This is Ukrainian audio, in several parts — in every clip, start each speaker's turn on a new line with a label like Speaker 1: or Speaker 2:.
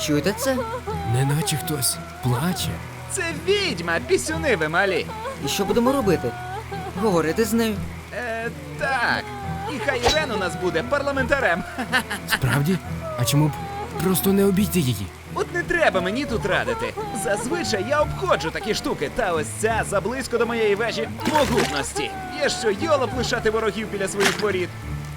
Speaker 1: чуєте це?
Speaker 2: Неначе хтось плаче.
Speaker 3: Це відьма, пісюни ви малі.
Speaker 1: І що будемо робити? Говорити з нею?
Speaker 3: Так. І хай Ірен у нас буде парламентарем.
Speaker 2: Справді? А чому б просто не обійти її?
Speaker 3: От не треба мені тут радити. Зазвичай я обходжу такі штуки, та ось ця заблизько до моєї вежі могутності. Є що йолоп лишати ворогів біля своїх воріт.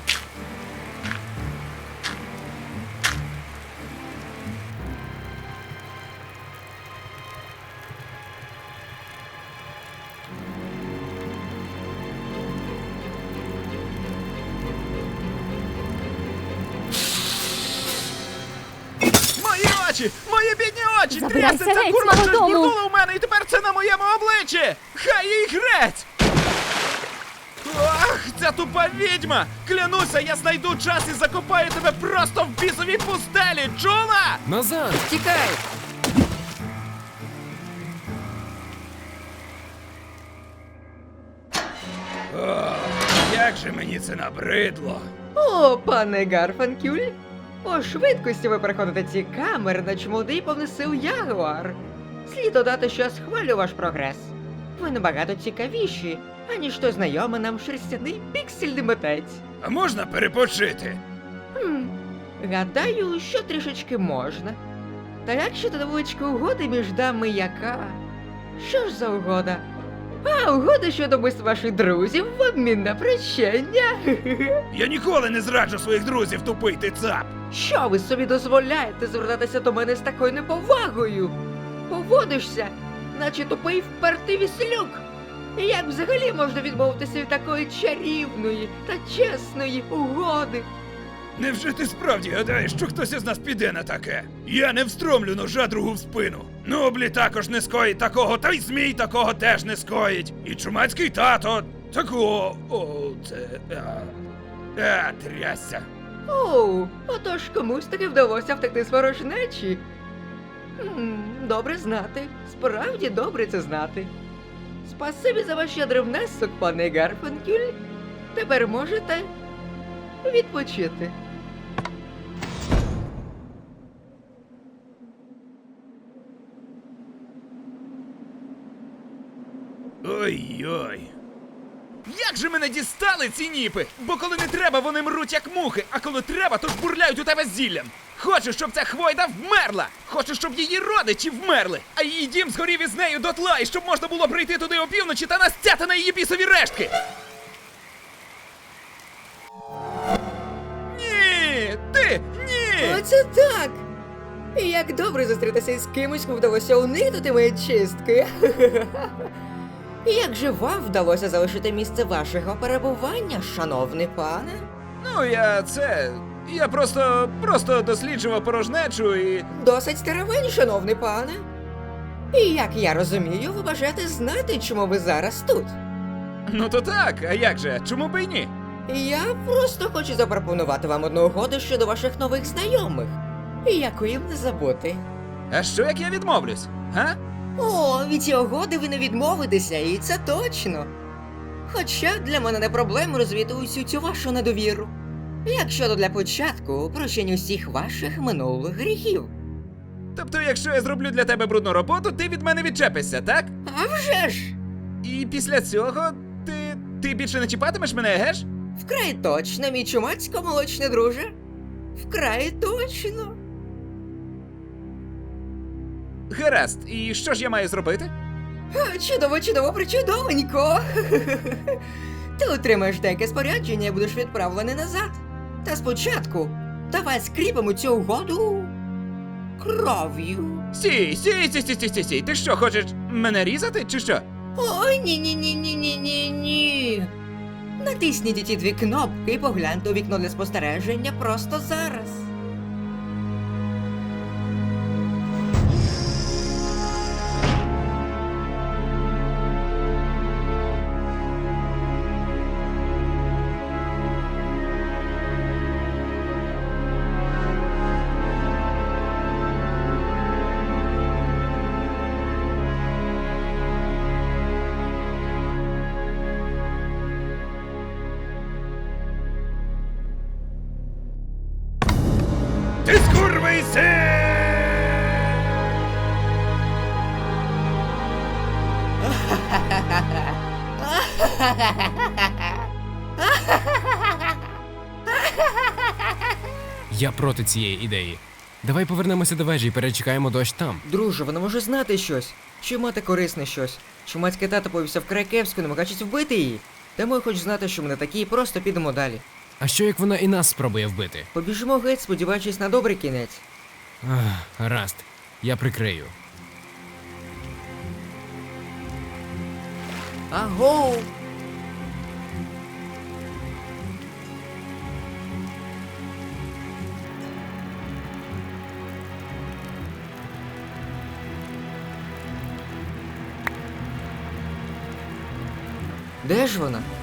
Speaker 3: Мої очі! Мої бідні очі!
Speaker 4: Забирайся
Speaker 3: Трясеться,
Speaker 4: геть з
Speaker 3: курва,
Speaker 4: мого
Speaker 3: щось
Speaker 4: дому!
Speaker 3: бурнуло в мене, і тепер це на моєму обличчі! Хай їй грець! Ах, ця тупа відьма! Клянуся, я знайду час і закопаю тебе просто в бісовій пустелі, чула?
Speaker 2: Назад!
Speaker 1: Тікай!
Speaker 3: Як же мені це набридло!
Speaker 1: О, пане Гарфанкюль! По швидкості ви переходите ці камери, наче молодий повнесил ягуар. Слід додати, що я схвалю ваш прогрес. Ви набагато цікавіші, аніж той знайомий нам шерстяний піксельний митець.
Speaker 3: А можна перепочити?
Speaker 1: Гадаю, що трішечки можна. Та як щодо невеличкої угоди між дами яка? Що ж за угода? А, угода щодо вбивства ваших друзів в обмін на прощення.
Speaker 3: Я ніколи не зраджу своїх друзів, тупий ти цап!
Speaker 1: Що ви собі дозволяєте звертатися до мене з такою неповагою? Поводишся, наче тупий впертий віслюк. І як взагалі можна відмовитися від такої чарівної та чесної угоди?
Speaker 3: Невже ти справді гадаєш, що хтось із нас піде на таке? Я не встромлю ножа другу в спину. Ноблі також не скоїть такого, та й змій такого теж не скоїть. І чумацький тато такого. О, це. Трясся.
Speaker 1: Оу, отож комусь таки вдалося втекти з ворожнечі. Добре знати, справді добре це знати. Спасибі за ваш щедрий внесок, пане Гарфанкюль. Тепер можете відпочити.
Speaker 3: Ой-ой. Як же мене дістали ці ніпи? Бо коли не треба, вони мруть як мухи, а коли треба, то жбурляють у тебе зіллям. Хочу, щоб ця хвойда вмерла! Хочу, щоб її родичі вмерли, а її дім згорів із нею дотла, і щоб можна було прийти туди опівночі та настяти на її бісові рештки! Ні! Ти! Ні!
Speaker 1: Оце так! Як добре зустрітися із кимось, кому вдалося уникнути мої чистки. Як же вам вдалося залишити місце вашого перебування, шановний пане?
Speaker 3: Ну, я просто досліджував порожнечу і...
Speaker 1: Досить старовинь, шановний пане. І як я розумію, ви бажаєте знати, чому ви зараз тут.
Speaker 3: Ну то так, а як же? Чому б і ні?
Speaker 1: Я просто хочу запропонувати вам одну угоду щодо ваших нових знайомих. Яку їм не забути.
Speaker 3: А що як я відмовлюсь? Га?
Speaker 1: О, від цієї угоди ви не відмовитеся, і це точно. Хоча для мене не проблема розвіяти усю цю вашу недовіру. Як щодо для початку прощення усіх ваших минулих гріхів.
Speaker 3: Тобто, якщо я зроблю для тебе брудну роботу, ти від мене відчепишся, так?
Speaker 1: А вже ж!
Speaker 3: І після цього ти більше не чіпатимеш мене, геш?
Speaker 1: Вкрай точно, мій чумацько-молочний друже. Вкрай точно.
Speaker 3: Гаразд, і що ж я маю зробити?
Speaker 1: Чудово, чудово, причудовенько. Ти отримаєш деяке спорядження і будеш відправлений назад. Та спочатку давай скріпимо цю угоду кров'ю.
Speaker 3: Сій, ти що, хочеш мене різати, чи що?
Speaker 1: Ой, ні. Натисніть ті дві кнопки і погляньте у вікно для спостереження просто зараз.
Speaker 2: Я проти цієї ідеї. Давай повернемося до вежі і перечекаємо дощ там.
Speaker 1: Друже, вона може знати щось. Чи мати корисне щось. Чи матька тато повівся вкрай кепсько, намагаючись вбити її. Тому я хочу знати, що ми не такі, і просто підемо далі.
Speaker 2: А що як вона і нас спробує вбити?
Speaker 1: Побіжимо геть, сподіваючись на добрий кінець.
Speaker 2: Гаразд, я прикрию.
Speaker 1: Агоу! Де ж вона?